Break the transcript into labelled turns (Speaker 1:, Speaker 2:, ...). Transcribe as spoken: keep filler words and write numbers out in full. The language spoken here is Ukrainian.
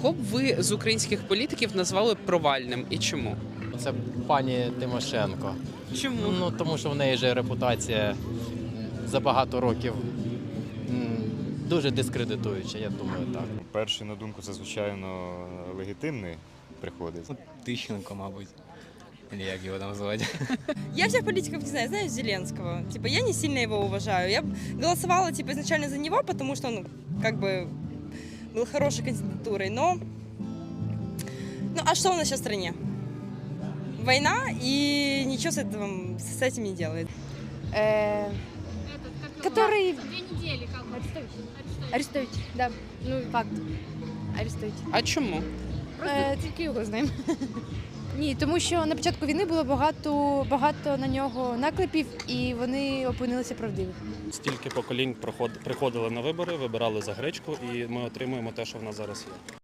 Speaker 1: Кого б ви з українських політиків назвали провальним і чому?
Speaker 2: Це пані Тимошенко.
Speaker 1: Чому?
Speaker 2: Ну, тому що в неї же репутація за багато років м, дуже дискредитуюча, я думаю, так.
Speaker 3: Перший, на думку, це, звичайно, легітимний приходить.
Speaker 4: Тищенко, мабуть. Или як його там звати.
Speaker 5: Я всех политиков не знаю, знаю Зеленского. Типа, я не сильно его уважаю. Я голосовала, типа, изначально за него, потому что, ну, как бы, был хорошей кандидатурой, но... Ну, а что у нас сейчас в стране? Война, и ничего с этим, с этим не делает.
Speaker 6: Э,
Speaker 7: Этот,
Speaker 6: Который-
Speaker 7: Две недели как бы. Арестович.
Speaker 6: Арестують, да. Ну, факт. Арестують.
Speaker 1: А чому?
Speaker 6: Е, тільки його знаємо. Ні, тому що на початку війни було багато, багато на нього наклепів, і вони опинилися правдиві.
Speaker 8: Стільки поколінь приходили на вибори, вибирали за гречку, і ми отримуємо те, що в нас зараз є.